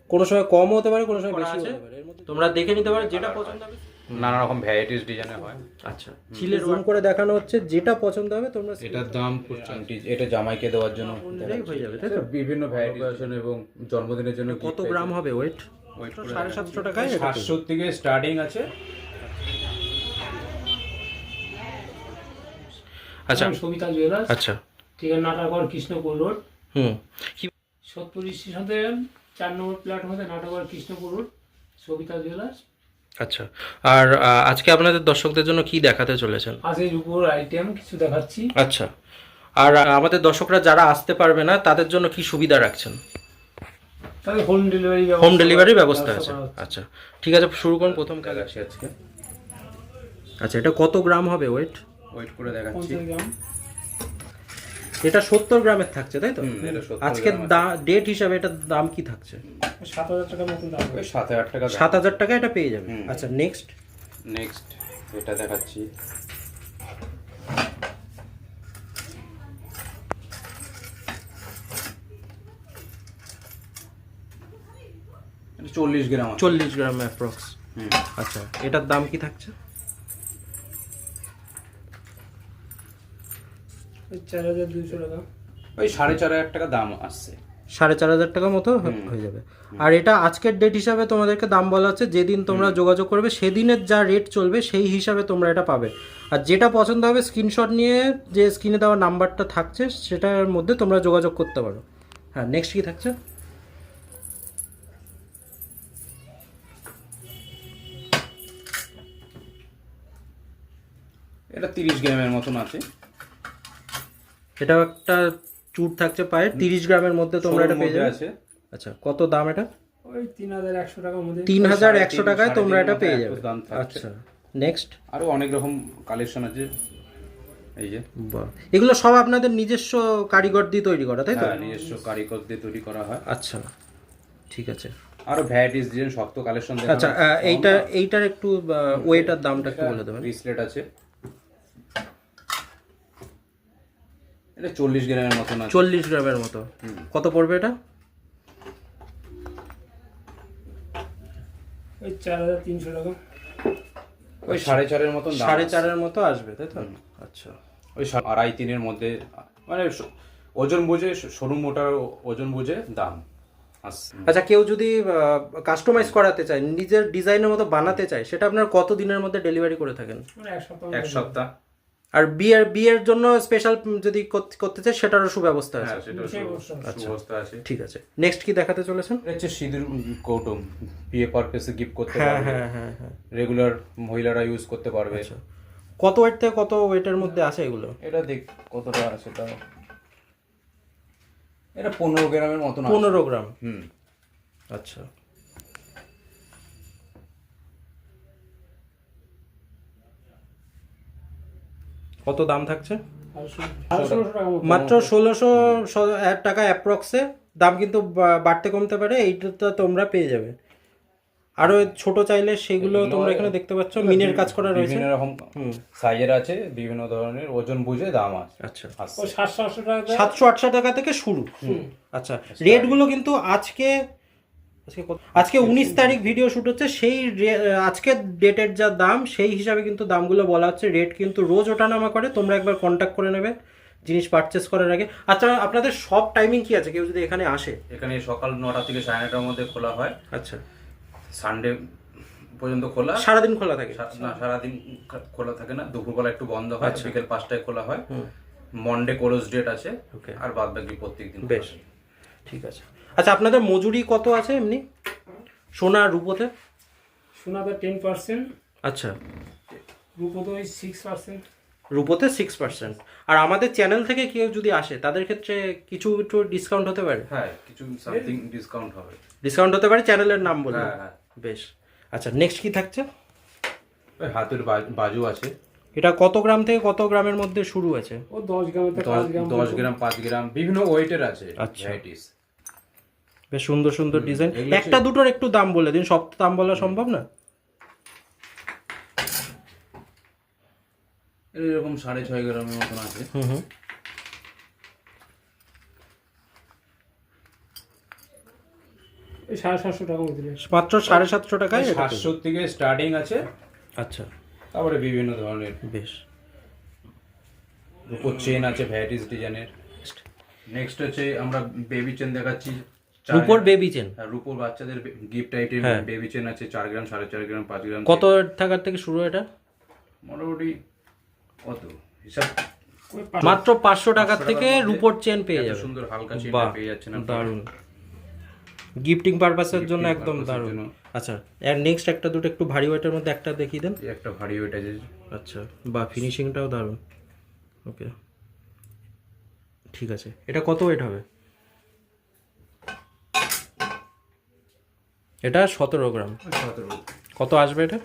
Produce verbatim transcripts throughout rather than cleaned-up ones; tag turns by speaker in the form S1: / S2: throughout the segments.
S1: কোনো সময় কম হতে পারে, কোনো সময় বেশি হতে পারে। এর মধ্যে তোমরা দেখে নিতে পারো যেটা পছন্দ হবে।
S2: নানা রকম ভ্যারাইটিস ডিজাইনের হয়।
S1: আচ্ছা, চিলের জুম করে দেখানো হচ্ছে, যেটা পছন্দ হবে তোমরা।
S2: এটার দাম আংটি, এটা জামাইকে দেওয়ার জন্য
S1: হয়ে যাবে, তাই তো?
S2: বিভিন্ন ভ্যারাইটিস এবং জন্মদিনের জন্য।
S1: কত গ্রাম হবে ওয়েট? সাড়ে সাতশো টাকায়
S2: সাতশো থেকে স্টার্টিং আছে।
S1: আচ্ছা,
S3: সবিতা জুয়েলার্স।
S1: আচ্ছা,
S3: ঠিকানা নাটাগড় কৃষ্ণপুর রোড।
S1: হুম,
S3: সত্তর স্টেশনে চার নম্বর প্ল্যাটফর্মে নাটাগড় কৃষ্ণপুর রোড, সবিতা জুয়েলার্স।
S1: আচ্ছা। আর আজকে আপনাদের দর্শকদের জন্য কি দেখাতে চলেছেন?
S3: কাজের উপর আইটেম কিছু দেখাচ্ছি।
S1: আচ্ছা, আর আমাদের দর্শকরা যারা আসতে পারবে না তাদের জন্য কি সুবিধা রাখছেন?
S3: তাহলে হোম ডেলিভারি
S1: হোম ডেলিভারি ব্যবস্থা আছে। আচ্ছা, ঠিক আছে, শুরু করুন। প্রথম কাজ
S2: আছে আজকে।
S1: আচ্ছা, এটা কত গ্রাম হবে ওয়েট?
S2: ওয়েট করে দেখাচ্ছি।
S1: এটা সত্তর গ্রামের থাকছে, তাই তো? আজকে ডেট হিসাবে এটার দাম কি থাকছে?
S3: সাত হাজার টাকার মতন দাম।
S2: সাত হাজার টাকা।
S1: সাত হাজার টাকা এটা পেয়ে যাবে। আচ্ছা, নেক্সট
S2: নেক্সট এটা দেখাচ্ছি। চল্লিশ গ্রাম।
S1: চল্লিশ গ্রাম অ্যাপ্রক্স। আচ্ছা, এটার দাম কি থাকছে?
S3: চার হাজার দুইশো টাকা।
S2: ওই সাড়ে চার হাজার টাকা দাম আসছে।
S1: সাড়ে চার হাজার টাকা মতো হয়ে যাবে। আর এটা আজকের ডেট হিসাবে তোমাদেরকে দাম বলা হচ্ছে, যেদিন তোমরা যোগাযোগ করবে সেদিনের যা রেট চলবে সেই হিসাবে তোমরা এটা পাবে। আর যেটা পছন্দ হবে স্ক্রিনশট নিয়ে যে স্ক্রিনে দেওয়া নাম্বারটা থাকছে সেটার মধ্যে তোমরা যোগাযোগ করতে পারো। হ্যাঁ, নেক্সট কি থাকছে?
S2: এটা তিরিশ গ্রামের মতন আছে।
S1: এটা একটা চুর থাকছে পায়ে, তিরিশ গ্রামের মধ্যে তোমরা এটা পেয়ে যাবে। আচ্ছা, কত দাম এটা?
S3: ওই তিন হাজার একশো টাকার মধ্যে।
S1: তিন হাজার একশো টাকায় তোমরা এটা পেয়ে যাবে। আচ্ছা, নেক্সট।
S2: আরো অনেক রকম কালেকশন আছে। এই যে
S1: এগুলো সব আপনাদের নিজস্ব কারিগর দিয়ে তৈরি করা, তাই তো?
S2: হ্যাঁ, নিজস্ব কারিগর দিয়ে তৈরি করা হয়।
S1: আচ্ছা, ঠিক আছে।
S2: আরো ভ্যারাইটিস ডিজাইন সব তো কালেকশন দেখানো।
S1: আচ্ছা, এইটা এইটার একটু ওয়েটার দামটা একটু বলে দেবেন।
S2: ব্রেসলেট আছে, এটা চল্লিশ গ্রামের মতন আছে।
S1: চল্লিশ গ্রামের মতো। কত পড়বে এটা?
S3: ওই চার হাজার তিনশো টাকা।
S2: ওই সাড়ে চারের মতন দাম।
S1: সাড়ে চারের মতো আসবে, তাই তো? আচ্ছা,
S2: ওই আড়াই তিনের মধ্যে, মানে ওজন বুঝে, সরু মোটার ওজন বুঝে দাম।
S1: আচ্ছা, কেউ যদি কাস্টমাইজ করাতে চায়, নিজের ডিজাইনের মতো বানাতে চায়, সেটা আপনার কত দিনের মধ্যে ডেলিভারি করে থাকেন?
S2: এক সপ্তাহ।
S1: আর বিয়ের বিয়ের জন্য স্পেশাল যদি করতে চায় সেটারও সুব্যবস্থা আছে।
S2: আছে।
S1: ঠিক আছে, নেক্সট কি দেখাতে চলেছেন?
S2: হচ্ছে সিঁদুর কৌটো, বিয়ে পারপাসে গিফট করতে
S1: হ্যাঁ
S2: পারবে।
S1: হ্যাঁ হ্যাঁ হ্যাঁ,
S2: রেগুলার মহিলারা ইউজ করতে পারবে।
S1: কত ওয়েট থেকে কত ওয়েটের মধ্যে আছে এগুলো?
S2: এটা দেখ কতটা আছে, তাও এটা পনেরো গ্রামের মতন।
S1: পনেরো গ্রাম।
S2: হুম,
S1: আচ্ছা। কত দাম থাকছে? মাত্র ষোলোশো টাকা অ্যাপ্রক্সে দাম, কিন্তু বাড়তে কমতে পারে। এইটা তোমরা পেয়ে যাবে। আরো ছোট চাইলে সেগুলো তোমরা এখানে দেখতে পাচ্ছ, মিনের কাজ করা রয়েছে।
S2: বিভিন্ন রকম সাইজের আছে, বিভিন্ন ধরনের ওজন বুঝে দাম আছে।
S1: আচ্ছা,
S3: সাতশো আটশো টাকা,
S1: সাতশো আটশো টাকা থেকে শুরু। আচ্ছা, রেট গুলো কিন্তু আজকে আজকে উনিশ তারিখ ভিডিও শুট হচ্ছে, সেই আজকের ডেটের যা দাম সেই হিসাবে কিন্তু দামগুলো বলা হচ্ছে। রেট কিন্তু রোজ ওঠানামা করে, তোমরা একবার কন্ট্যাক্ট করে নেবে জিনিস পারচেস করার আগে। আচ্ছা, আপনাদের সব টাইমিং কি আছে কেউ যদি এখানে আসে?
S2: এখানে সকাল নটা থেকে সাড়ে নটার মধ্যে খোলা হয়।
S1: আচ্ছা,
S2: সানডে পর্যন্ত খোলা।
S1: সারাদিন খোলা থাকে?
S2: না, সারাদিন খোলা থাকে না, দুপুরবেলা একটু বন্ধ হয়। বিকেল পাঁচটায় খোলা হয়। মন্ডে ক্লোজ ডেট আছে, আর বাদ বাকি প্রত্যেকদিন।
S1: বেশ, ঠিক আছে। আচ্ছা, আপনাদের মজুরি কত আছে এমনি সোনা আর রূপোতে?
S3: সোনাতে টেন পার্সেন্ট।
S1: আচ্ছা,
S3: রূপোতে ওই সিক্স পার্সেন্ট।
S1: রূপোতে সিক্স পার্সেন্ট। আর আমাদের চ্যানেল থেকে কেউ যদি আসে তাদের ক্ষেত্রে কিছু একটু ডিসকাউন্ট হতে পারে?
S2: হ্যাঁ, কিছু সামথিং ডিসকাউন্ট হবে।
S1: ডিসকাউন্ট হতে পারে, চ্যানেলের নাম বলে।
S2: হ্যাঁ হ্যাঁ,
S1: বেশ। আচ্ছা, নেক্সট কি থাকছে?
S2: ওই হাতের বাজু আছে।
S1: এটা কত গ্রাম থেকে কত গ্রামের মধ্যে শুরু আছে?
S3: ও দশ গ্রাম থেকে
S2: দশ গ্রাম, পাঁচ গ্রাম, বিভিন্ন ওয়েটের আছে।
S1: আচ্ছা, বেশ সুন্দর সুন্দর ডিজাইন। একটা দুটোর একটু দাম বলে দিন, সব দাম বলা সম্ভব না।
S2: এরকম সাড়ে ছয় গ্রামের মতন আছে।
S1: হুম হুম,
S3: ওই সাড়ে সাতশো টাকা মতো নেয়।
S1: মাত্র সাড়ে সাতশো টাকায় এটা পেয়ে
S2: সাতশো থেকে স্টার্টিং আছে,
S1: যাবে। আচ্ছা,
S2: তারপরে বিভিন্ন ধরনের
S1: বেশ।
S2: রূপোর চেন আছে ভ্যারাইটিস ডিজাইনের। নেক্সট হচ্ছে আমরা বেবি চেন দেখাচ্ছি। চার-
S1: রূপোর বেবি চেন
S2: হ্যাঁ, রূপোর বাচ্চাদের গিফট আইটেম
S1: হ্যাঁ।
S2: বেবি চেন আছে চার গ্রাম, সাড়ে চার গ্রাম, পাঁচ গ্রাম।
S1: কত টাকার থেকে শুরু এটা?
S2: মোটামুটি কত হিসাব
S3: ওই পাঁচশো-
S1: মাত্র পাঁচশো টাকার
S2: পাঁচশো
S1: থেকে
S2: টাকার মধ্যে
S1: রূপোর চেন পেয়ে
S2: এত
S1: যাবে।
S2: সুন্দর হালকা চেন
S1: বাহ,
S2: পেয়ে যাচ্ছেন আপনারা।
S1: দারুণ, গিফটিং পারপাসের জন্য
S2: Gifting
S1: একদম
S2: purpose এর
S1: দারুণ।
S2: জন্য।
S1: আচ্ছা, আর নেক্সট একটা দুটো একটু ভারী ওয়েটের মধ্যে একটা দেখিয়ে দেন।
S2: এই একটা ভারী ওয়েট আছে।
S1: আচ্ছা, বা ফিনিশিংটাও দারুণ। ওকে, ঠিক আছে। এটা কত ওয়েট হবে? এটা সতেরো গ্রাম।
S2: সতেরো।
S1: কত আসবে এটা?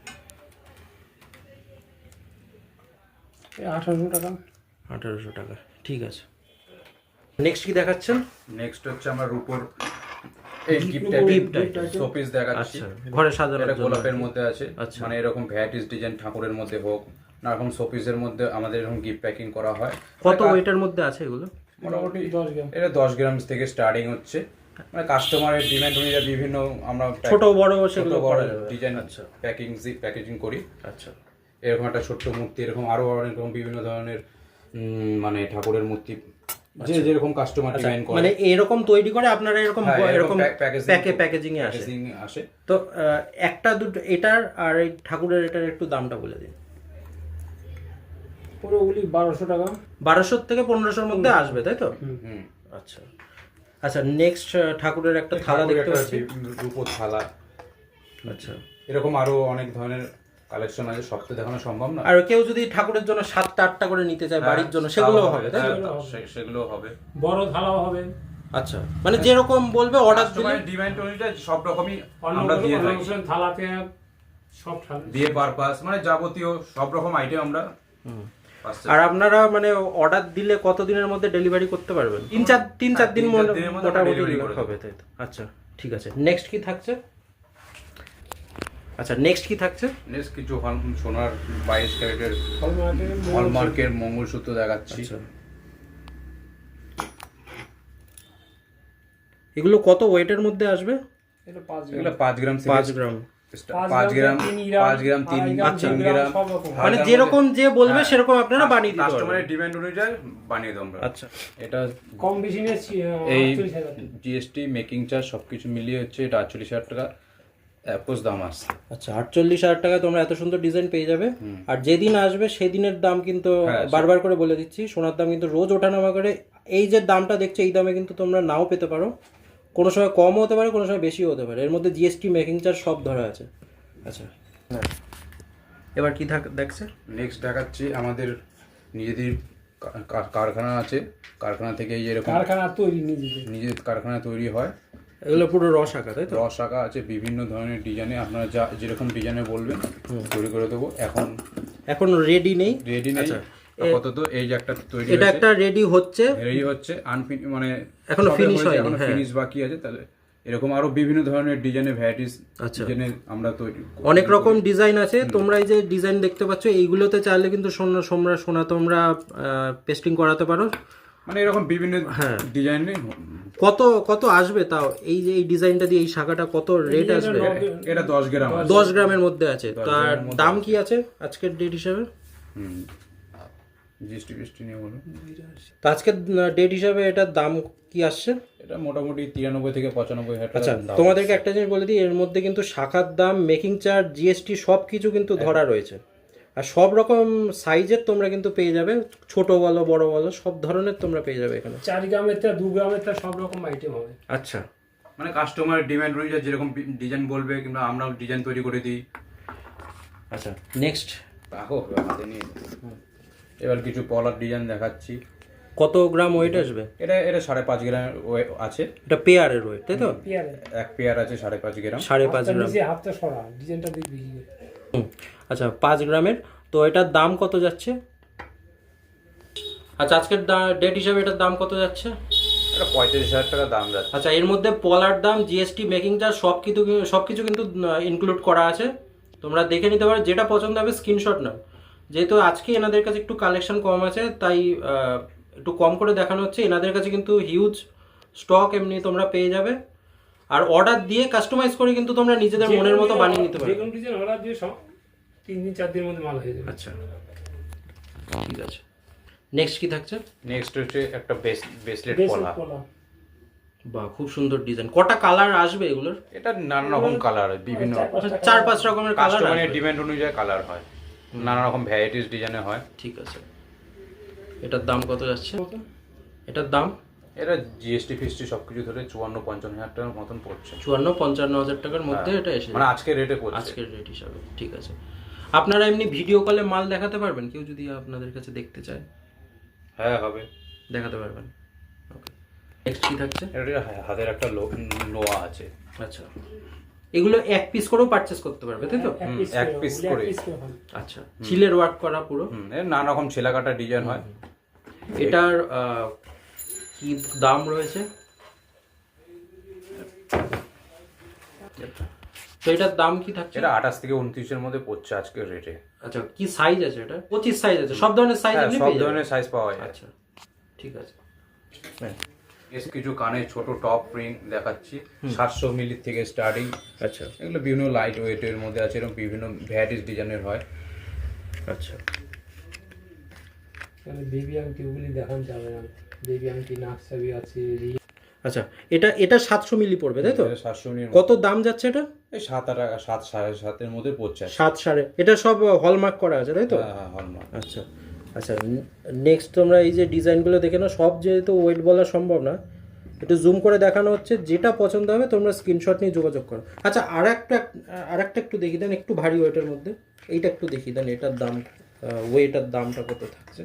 S3: এই আঠারোশো টাকা।
S1: আঠারোশো টাকা, ঠিক আছে। নেক্সট কি দেখাচ্ছেন?
S2: নেক্সট হচ্ছে আমরা রূপোর এই গিফট
S1: Gift
S2: আইটেম শোপিস দেখাচ্ছি।
S1: আচ্ছা, ঘরে সাজানোর
S2: এটা
S1: জন্য।
S2: গোলাপের মধ্যে আছে,
S1: আচ্ছা।
S2: মানে এরকম ভ্যারাইটিস ডিজাইন ঠাকুরের মধ্যে হোক না এরকম শোপিসের মধ্যে আমাদের এরকম গিফট প্যাকিং করা হয়।
S1: কত
S2: মানে
S1: ওয়েটের মধ্যে আছে এগুলো?
S2: মোটামুটি
S3: দশ গ্রাম।
S2: এটা দশ গ্রাম থেকে স্টার্টিং হচ্ছে, মানে কাস্টমারের ডিমান্ড অনুযায়ী বিভিন্ন আমরা pack-
S1: ছোট বড়
S2: ছোট
S1: সেগুলো
S2: বড়
S1: করা যাবে।
S2: ডিজাইন
S1: আচ্ছা
S2: প্যাকিং প্যাকেজিং করি।
S1: আচ্ছা,
S2: এরকম একটা ছোট্ট মূর্তি, এরকম আরো অনেক রকম বিভিন্ন ধরনের উম, মানে ঠাকুরের মূর্তি যে যেরকম কাস্টমার ডিজাইন করে
S1: মানে এরকম তৈরি করে আপনারা এরকম
S2: হ্যাঁ, এরকম
S1: এরকম
S2: pack- packaging-
S1: প্যাকে প্যাকেজিং এ আসে।
S2: প্যাকেজিং আসে।
S1: তো আহ, একটা দুটো এটার আর এই ঠাকুরের এটার একটু দামটা বলে দিন।
S3: পুরোগুলি বারোশো টাকা।
S1: বারোশো থেকে পনেরোশোর মধ্যে আসবে, তাই তো?
S2: হুম।
S1: আচ্ছা আচ্ছা, নেক্সট ঠাকুরের একটা থালা
S2: ঠাকুরের
S1: দেখতে
S2: একটা
S1: পাচ্ছি।
S2: বি- রূপোর থালা,
S1: আচ্ছা,
S2: এরকম আরো অনেক ধরনের কালেকশন আছে, সব তো দেখানো সম্ভব না।
S1: আর কেউ যদি ঠাকুরের জন্য সাতটা আটটা করে নিতে চায় বাড়ির জন্য, সেগুলো হবে, তাই তো?
S2: হ্যাঁ, সে- সেগুলো হবে।
S3: বড় থালাও হবে।
S1: আচ্ছা, মানে যেরকম বলবে অর্ডার দিলে।
S2: কাস্টমারের ডিমান্ড অনুযায়ী সব রকমই
S3: অন্য
S2: আমরা দিয়ে থাকি।
S3: অনুষ্ঠান থালাতে সব থালা।
S2: বিয়ে পারপাস মানে যাবতীয় সব রকম আইটেম আমরা পাচ্ছি।
S1: আর আপনারা মানে অর্ডার দিলে কত দিনের মধ্যে ডেলিভারি করতে পারবেন? তিন চার তিন চার
S2: হ্যাঁ,
S1: দিন
S2: তিন চার
S1: মনে-
S2: দিনের মধ্যে আমরা
S1: মোটামুটি
S2: delivery করে
S1: হবে, তাই তো? আচ্ছা ঠিক আছে, নেক্সট কি থাকছে? আচ্ছা, নেক্সট কি থাকছে?
S2: নেক্সট কিছু হল- সোনার বাইশ ক্যারেটের
S3: হলমার্কের
S2: হলমার্কের মঙ্গলসূত্র দেখাচ্ছি।
S1: আচ্ছা, এগুলো কত ওয়েটের মধ্যে আসবে?
S3: এটা পাঁচ গ্রাম।
S2: এগুলো পাঁচ গ্রাম থেকে
S1: পাঁচ গ্রাম।
S2: স্টা- পাঁচ গ্রাম পাঁচ গ্রাম তিন গ্রাম তিন গ্রাম
S3: সব রকম।
S1: মানে
S2: হালকার
S1: যেরকম যে বলবে
S2: হ্যাঁ,
S1: সেরকম আপনারা বানিয়ে দিতে
S2: কাস্টমারের
S1: পারবেন।
S2: ডিমান্ড অনুযায়ী বানিয়ে দেবো আমরা।
S1: আচ্ছা,
S2: এটা
S3: কম বেশি নিয়ে
S2: এই
S3: আটচল্লিশ হাজার।
S2: জিএসটি মেকিং চার্জ সবকিছু মিলিয়ে হচ্ছে এটা আটচল্লিশ হাজার টাকা অ্যাপোজ দাম আসছে।
S1: আচ্ছা, আটচল্লিশ হাজার টাকায় তোমরা এত সুন্দর ডিজাইন পেয়ে যাবে। আর যেদিন আসবে সেদিনের দাম কিন্তু
S2: হ্যাঁ,
S1: বারবার করে বলে দিচ্ছি, সোনার দাম কিন্তু রোজ ওঠানামা করে। এই যে দামটা দেখছো এই দামে কিন্তু তোমরা নাও পেতে পারো, কোনো সময় কমও হতে পারে, কোনো সময় বেশিও হতে পারে। এর মধ্যে জিএসটি মেকিং চার্জ সব ধরা আছে। আচ্ছা, এবার কি থাক দেখছে?
S2: নেক্সট দেখাচ্ছি আমাদের নিজেদের কা- কা- কারখানা আছে, কারখানা থেকে এই এরকম
S3: কারখানা তৈরি নিজেদের।
S2: নিজের কারখানা তৈরি হয়।
S1: এগুলো পুরো রস আঁকা, তাই তো?
S2: রস আঁকা আছে বিভিন্ন ধরনের ডিজাইনে, আপনারা যা যেরকম ডিজাইনে বলবেন তৈরি করে দেবো। এখন
S1: এখন রেডি নেই,
S2: রেডি নেই
S1: আচ্ছা,
S2: আপাতত। এই যে একটা তৈরি
S1: এটা
S2: হয়েছে,
S1: একটা রেডি হচ্ছে।
S2: রেডি হচ্ছে আনফিন মানে
S1: এখনো
S2: সবে
S1: finish
S2: হয়েছে,
S1: হয়নি,
S2: এখনো
S1: হ্যাঁ।
S2: ফিনিশ বাকি আছে। তাহলে এরকম আরো বিভিন্ন ধরনের ডিজাইনের ভ্যারাইটিস
S1: আচ্ছা।
S2: ডিজাইনের আমরা তৈরি
S1: অনেক রকম ডিজাইন আছে। তোমরা এই যে ডিজাইন দেখতে পাচ্ছ এইগুলোতে চাইলে কিন্তু সোনা সোমরা সোনা তোমরা পেস্টিং করাতে পারো।
S2: মানে এরকম বিভিন্ন
S1: হ্যাঁ।
S2: ডিজাইনে।
S1: কত কত আসবে তাও? এই যে এই ডিজাইনটা দিয়ে এই শাখাটা কত রেট আসবে?
S2: এটা দশ গ্রাম আছে।
S1: দশ গ্রামের মধ্যে আছে। তার
S2: গ্রামের মধ্যে
S1: দাম কি আছে আজকের ডেট হিসাবে?
S2: হুম জিএসটি ফিএসটি নিয়ে বলুন।
S1: তো আজকের ডেট হিসাবে এটার দাম কি আসছে?
S2: এটা মোটামুটি তিরানব্বই থেকে পঁচানব্বই হাজার
S1: আচ্ছা,
S2: টাকা দাম।
S1: তোমাদেরকে একটা জিনিস বলে দিই, এর মধ্যে কিন্তু শাখার দাম, মেকিং চার্জ, জিএসটি সব কিছু কিন্তু ধরা রয়েছে। আর সব রকম সাইজের তোমরা কিন্তু পেয়ে যাবে, ছোট বলো বড় বলো সব ধরনের তোমরা পেয়ে যাবে এখানে।
S3: চার গ্রামের তা দু গ্রামের তা সব রকম আইটেম হবে।
S1: আচ্ছা,
S2: মানে কাস্টমারের ডিমান্ড অনুযায়ী যেরকম ডিজাইন বলবে কিংবা আমরা ডিজাইন তৈরি করে দিই।
S1: আচ্ছা, নেক্সট
S2: রাখো হাতে নিয়ে। এবার কিছু পলার ডিজাইন দেখাচ্ছি।
S1: কত গ্রাম ওয়েট আসবে?
S2: এটা এটা সাড়ে পাঁচ গ্রাম আছে।
S1: এটা পেয়ারের ওয়েট, তাই তো?
S3: পেয়ারে
S2: এক পেয়ার আছে সাড়ে পাঁচ গ্রাম।
S1: সাড়ে পাঁচ
S3: হাতটা
S1: গ্রাম।
S3: নিচে হাতটা সরা ডিজাইনটা দেখবি।
S1: হুম, আচ্ছা, পাঁচ গ্রামের। তো এটার দাম কত যাচ্ছে? আচ্ছা, আজকের ডেট হিসাবে এটার দাম কত যাচ্ছে?
S2: এটা পঁয়ত্রিশ হাজার টাকা দাম যাচ্ছে।
S1: আচ্ছা, এর মধ্যে পলার দাম, জিএসটি, মেকিং চার্জ সব কিছু সব কিছু কিন্তু ইনক্লুড করা আছে। তোমরা দেখে নিতে পারো, যেটা পছন্দ হবে স্ক্রিনশট নাও। যেহেতু আজকে এনাদের কাছে একটু কালেকশন কম আছে তাই আহ, একটু কম করে দেখানো হচ্ছে। এনাদের কাছে কিন্তু হিউজ স্টক এমনি তোমরা পেয়ে যাবে। আর অর্ডার দিয়ে কাস্টমাইজ করে কিন্তু তোমরা নিজেদের মনের মতো বানিয়ে নিতে
S3: যে
S1: পারবে।
S3: কোনো ডিজাইন অর্ডার দিয়ে সব তিন দিন চার দিনের মধ্যে মাল হয়ে যাবে।
S1: আচ্ছা ঠিক আছে, নেক্সট কি থাকছে?
S2: নেক্সট হচ্ছে একটা ব্রেসলেট
S3: বেশ
S2: পলা।
S3: পলা।
S1: বাহ, খুব সুন্দর ডিজাইন। কটা কালার আসবে এগুলোর?
S2: এটা নানা রকম কালার, বিভিন্ন
S1: চার পাঁচ রকমের কালার
S2: কাস্টমারের ডিমান্ড অনুযায়ী কালার হয়, নানা রকম ভ্যারাইটিস ডিজাইনে হয়।
S1: ঠিক আছে, এটার দাম কত যাচ্ছে? এটার দাম
S2: এটা জিএসটি ফিএসটি সবকিছু ধরে চুয়ান্ন পঞ্চান্ন হাজার টাকার মতন পড়ছে,
S1: চুয়ান্ন পঞ্চান্ন হাজার টাকার মধ্যে এটা এসে
S2: মানে আজকে রেটে পড়ছে।
S1: আজকের রেট হিসাবে। ঠিক আছে, আপনারা এমনি ভিডিও কলে মাল দেখাতে পারবেন? কেউ যদি আপনাদের কাছে দেখতে চায়
S2: হ্যাঁ হবে,
S1: দেখাতে পারবেন। ওকে, নেক্সট কি থাকছে?
S2: এটা হাতের একটা লো- লোয়া আছে।
S1: আচ্ছা, এগুলো এক পিস করেও পারচেস করতে পারবে তাই তো?
S3: এক piece
S2: এক
S3: করে,
S2: piece
S3: ওগুলো এক
S2: করে।
S3: piece করে হয়।
S1: আচ্ছা, চিলের ওয়ার্ক করা পুরো।
S2: হুম, এর নানা রকম ছেলা কাটা ডিজাইন হয়।
S1: এটার আহ, কি দাম রয়েছে? তো এটার দাম কি থাকছে?
S2: এটা আঠাশ থেকে উনত্রিশের মধ্যে পড়ছে আজকের রেটে।
S1: আচ্ছা, কি সাইজ আছে এটা? পঁচিশ সাইজ আছে, সব ধরনের সাইজ
S2: হ্যাঁ,
S1: আপনি
S2: সব
S1: পেয়ে যাবেন।
S2: ধরনের সাইজ পাওয়া যায়।
S1: আচ্ছা ঠিক আছে। হ্যাঁ,
S2: বেশ কিছু কানে ছোট টপ রিং দেখাচ্ছি, সাতশো মিলি থেকে স্টার্টিং।
S1: আচ্ছা
S2: এগুলো বিভিন্ন লাইট ওয়েটের মধ্যে আছে, এরকম বিভিন্ন ভ্যারাইটিস ডিজাইনের হয়।
S1: আচ্ছা
S3: এখানে বেবি আংটি ওগুলি দেখানো যাবে না। বেবি আংটি, নাকছাবি আছে, ring।
S1: আচ্ছা, এটা এটা সাতশো মিলি পড়বে তাই তো?
S2: সাতশো মিলির
S1: কত দাম যাচ্ছে এটা?
S2: এই সাত আট সাত সাড়ে সাতের মধ্যে পড়ছে।
S1: সাত সাড়ে। এটা সব হলমার্ক করা আছে তাই তো?
S2: হ্যাঁ হ্যাঁ, হলমার্ক।
S1: আচ্ছা আচ্ছা, নেক্সট তোমরা এই যে ডিজাইনগুলো দেখে নাও। সব যেহেতু ওয়েট বলা সম্ভব না, একটু জুম করে দেখানো হচ্ছে। যেটা পছন্দ হবে তোমরা স্ক্রিনশট নিয়ে যোগাযোগ করো। আচ্ছা, আর একটা আর একটা একটু দেখিয়ে দেন, একটু ভারী ওয়েটের মধ্যে। এইটা একটু দেখিয়ে দেন, এটার দাম, ওয়েটার দামটা কত থাকছে?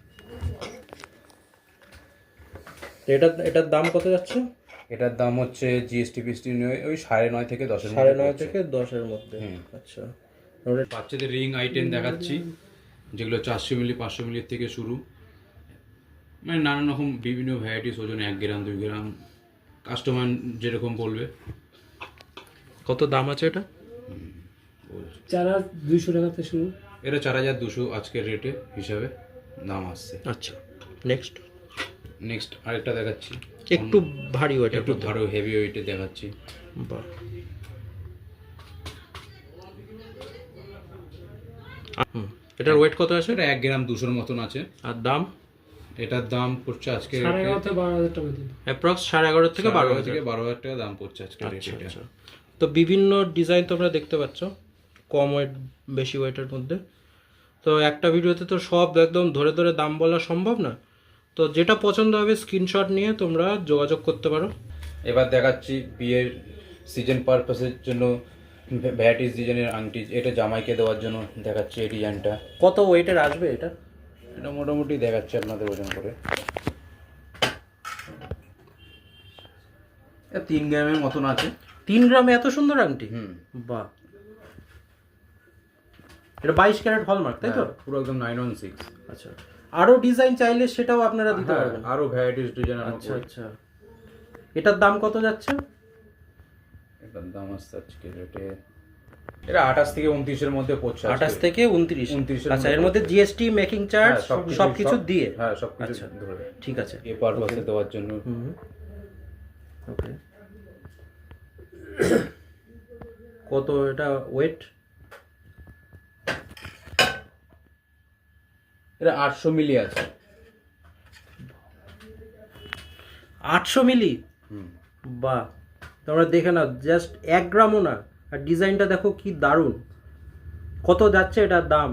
S1: এটা এটার দাম কত যাচ্ছে?
S2: এটার দাম হচ্ছে জিএসটি ফিএসটি নিয়ে ওই সাড়ে নয় থেকে দশের
S1: সাড়ে
S2: মধ্যে
S1: নয়
S2: পড়ছে।
S1: থেকে দশের মধ্যে। আচ্ছা,
S2: বাচ্চাদের রিং আইটেম দেখাচ্ছি, যেগুলো চারশো মিলি পাঁচশো মিলির থেকে শুরু, মানে নানান রকম বিভিন্ন ভ্যারাইটিস, ওজন এক গ্রাম দুই গ্রাম, কাস্টমার যেরকম বলবে।
S1: কত দাম আছে এটা?
S3: চার হাজার দুইশো টাকা থেকে শুরু।
S2: এটা চার হাজার দুশো আজকের রেটে হিসাবে দাম আসছে।
S1: আচ্ছা, নেক্সট
S2: নেক্সট আরেকটা দেখাচ্ছি,
S1: একটু ভারী ওয়েটের
S2: একটু ধরো হেভি ওয়েটে দেখাচ্ছি।
S1: বাহ, হুম, এটার ওয়েট কত আছে?
S2: এটা এক গ্রাম দুশোর মতন আছে।
S1: আর দাম?
S2: এটার দাম পড়ছে আজকে
S3: সাড়ে এগারো থেকে বারো হাজার টাকা দিন।
S1: অ্যাপ্রক্স সাড়ে এগারো থেকে বারো হাজার।
S2: থেকে বারো হাজার টাকা দাম পড়ছে আজকে
S1: আচ্ছা
S2: রেটে।
S1: আচ্ছা, তো বিভিন্ন ডিজাইন তোমরা দেখতে পাচ্ছ, কম ওয়েট বেশি ওয়েটের মধ্যে। তো একটা ভিডিওতে তো সব একদম ধরে ধরে দাম বলা সম্ভব না, তো যেটা পছন্দ হবে স্ক্রিনশট নিয়ে তোমরা যোগাযোগ করতে পারো।
S2: এবার দেখাচ্ছি বিয়ের সিজন পারপাসের জন্য ভ্যারাইটিস ডিজাইনের আংটি, এটা জামাইকে দেওয়ার জন্য দেখাচ্ছি এই ডিজাইনটা।
S1: কত ওয়েটের আসবে এটা?
S2: এটা মোটামুটি দেখাচ্ছি আপনাদের ওজন করে, এটা তিন গ্রামের মতন আছে।
S1: তিন গ্রামে এত সুন্দর আংটি?
S2: হুম,
S1: বাহ, এটা বাইশ ক্যারেট হলমার্ক তাই তো?
S2: পুরো একদম নাইন ওয়ান সিক্স।
S1: আচ্ছা, আরো ডিজাইন চাইলে সেটাও আপনারা দিতে পারবেন?
S2: আরো ভ্যারাইটিস ডিজাইন।
S1: আচ্ছা আচ্ছা, এটার দাম কত যাচ্ছে?
S2: এটার দাম আসছে আজকে রেটে, এটা আঠাশ থেকে উনত্রিশের মধ্যে পড়ছে।
S1: আঠাশ থেকে উনত্রিশ।
S2: উনত্রিশের
S1: আচ্ছা, এর মধ্যে জিএসটি, মেকিং চার্জ সবকিছু দিয়ে?
S2: হ্যাঁ সবকিছু
S1: আচ্ছা
S2: ধরে
S1: ঠিক আছে।
S2: এ পারপাসে দেওয়ার জন্য।
S1: ওকে, কত এটা ওয়েট?
S2: এটা আটশো মিলি আছে।
S1: আটশো মিলি? বাহ, তোমরা দেখে নাও, জাস্ট এক গ্রামও না। আর ডিজাইনটা দেখো কি দারুণ। কত যাচ্ছে এটার দাম?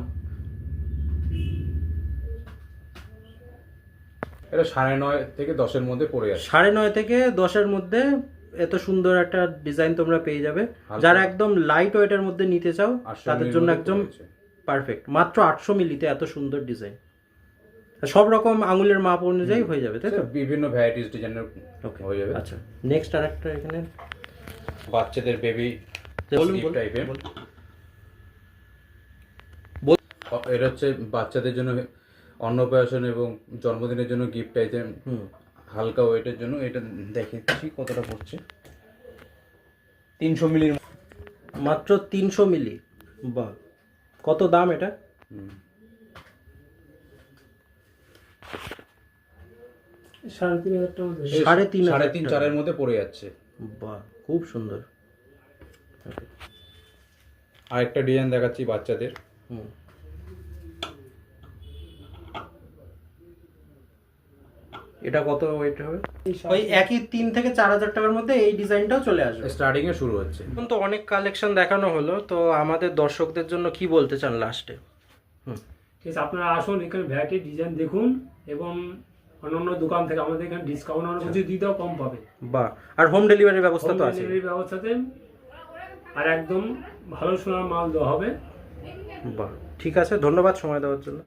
S2: এটা সাড়ে নয় থেকে দশের মধ্যে পড়ে যাচ্ছে।
S1: সাড়ে নয় থেকে দশের মধ্যে এত সুন্দর একটা ডিজাইন তোমরা পেয়ে যাবে। যারা একদম লাইট ওয়েটের মধ্যে নিতে চাও তাদের জন্য একদম পারফেক্ট। মাত্র আটশো মিলিতে এত সুন্দর ডিজাইন, সব রকম আঙুলের মাপ অনুযায়ী হয়ে যাবে তাই তো?
S2: বিভিন্ন ভ্যারাইটিস ডিজাইনের হয়ে যাবে।
S1: আচ্ছা, নেক্সট আরেকটা এখানে
S2: বাচ্চাদের বেবি টাইপের, এটা হচ্ছে বাচ্চাদের জন্য অন্নপ্রাশন এবং জন্মদিনের জন্য গিফট আইটেম, হালকা ওয়েটের জন্য। এটা দেখেছি কতটা পড়ছে, তিনশো মিলির।
S1: মাত্র তিনশো মিলি? বাহ, কত দাম এটা?
S3: সাড়ে তিন হাজার টাকা।
S1: সাড়ে তিন
S2: সাড়ে তিন চারের মধ্যে পড়ে যাচ্ছে।
S1: বাহ, খুব সুন্দর।
S2: আরেকটা ডিজাইন দেখাচ্ছি বাচ্চাদের।
S1: হুম, এটা কত ওয়েট হবে? ওই একই তিন থেকে চার হাজার টাকার মধ্যে এই ডিজাইনটাও চলে আসবে।
S2: স্টার্টিং এ শুরু হচ্ছে।
S1: এখন তো অনেক কালেকশন দেখানো হলো, তো আমাদের দর্শকদের জন্য কি বলতে চান লাস্টে? হুম,
S3: ঠিক আছে, আপনারা আসুন, এখানে ভ্যারাইটি ডিজাইন দেখুন এবং অন্যান্য দোকান থেকে আমাদের এখানে ডিসকাউন্ট অনেক কিছু দিতেও কম পাবে।
S1: বাহ, আর হোম ডেলিভারির ব্যবস্থা তো
S3: হোম
S1: আছে।
S3: ডেলিভারি ব্যবস্থাতে আর একদম ভালো সোনার মাল দেওয়া হবে।
S1: বাহ, ঠিক আছে, ধন্যবাদ সময় দেওয়ার জন্য।